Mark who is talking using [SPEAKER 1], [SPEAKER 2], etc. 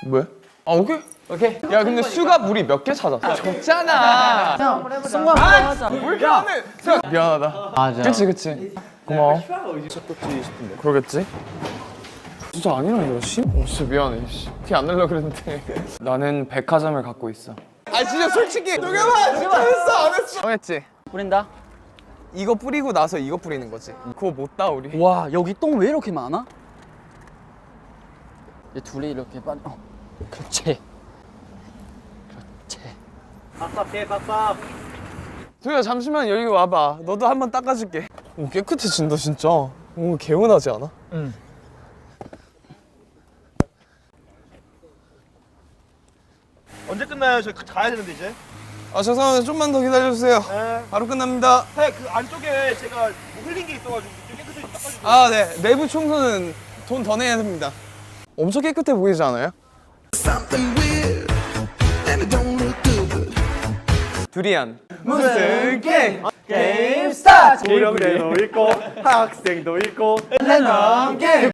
[SPEAKER 1] 뭐야? 아 오케이.
[SPEAKER 2] 오케이.
[SPEAKER 1] 야 근데 수가 우리 몇 개 찾았어? 적잖아.
[SPEAKER 2] 승관 한번 하자.
[SPEAKER 1] 왜 이렇게 안 해? 미안하다.
[SPEAKER 2] 맞아.
[SPEAKER 1] 그치. 고마워. 그러겠지? 진짜 아니라니까 씨? 진짜 미안해. 티 안 내려고 그랬는데. 나는 백화점을 갖고 있어. 아 진짜 솔직히 동현아 진짜 했어 안 했어? 정했지?
[SPEAKER 2] 뿌린다.
[SPEAKER 1] 이거 뿌리고 나서 이거 뿌리는 거지. 그거 못 따 우리.
[SPEAKER 2] 와 여기 똥 왜 이렇게 많아? 이 둘이 이렇게 빠져. 그렇지.
[SPEAKER 1] 동현아 잠시만 여기 와봐. 너도 한번 닦아줄게. 오 깨끗해진다 진짜. 오 개운하지 않아? 응.
[SPEAKER 3] 언제 끝나요? 저희 가야 되는데 이제.
[SPEAKER 1] 아 죄송합니다. 좀만 더 기다려주세요.
[SPEAKER 3] 네.
[SPEAKER 1] 바로 끝납니다.
[SPEAKER 3] 그 안쪽에 제가 뭐 흘린 게 있어가지고 좀 깨끗하게 닦아주세요.
[SPEAKER 1] 아 네. 내부 청소는 돈 더 내야 됩니다. 엄청 깨끗해 보이지 않아요? 두리안 무슨 게임?
[SPEAKER 3] 게임 스타트! 고령대도 있고 학생도 있고
[SPEAKER 1] 랜덤 게임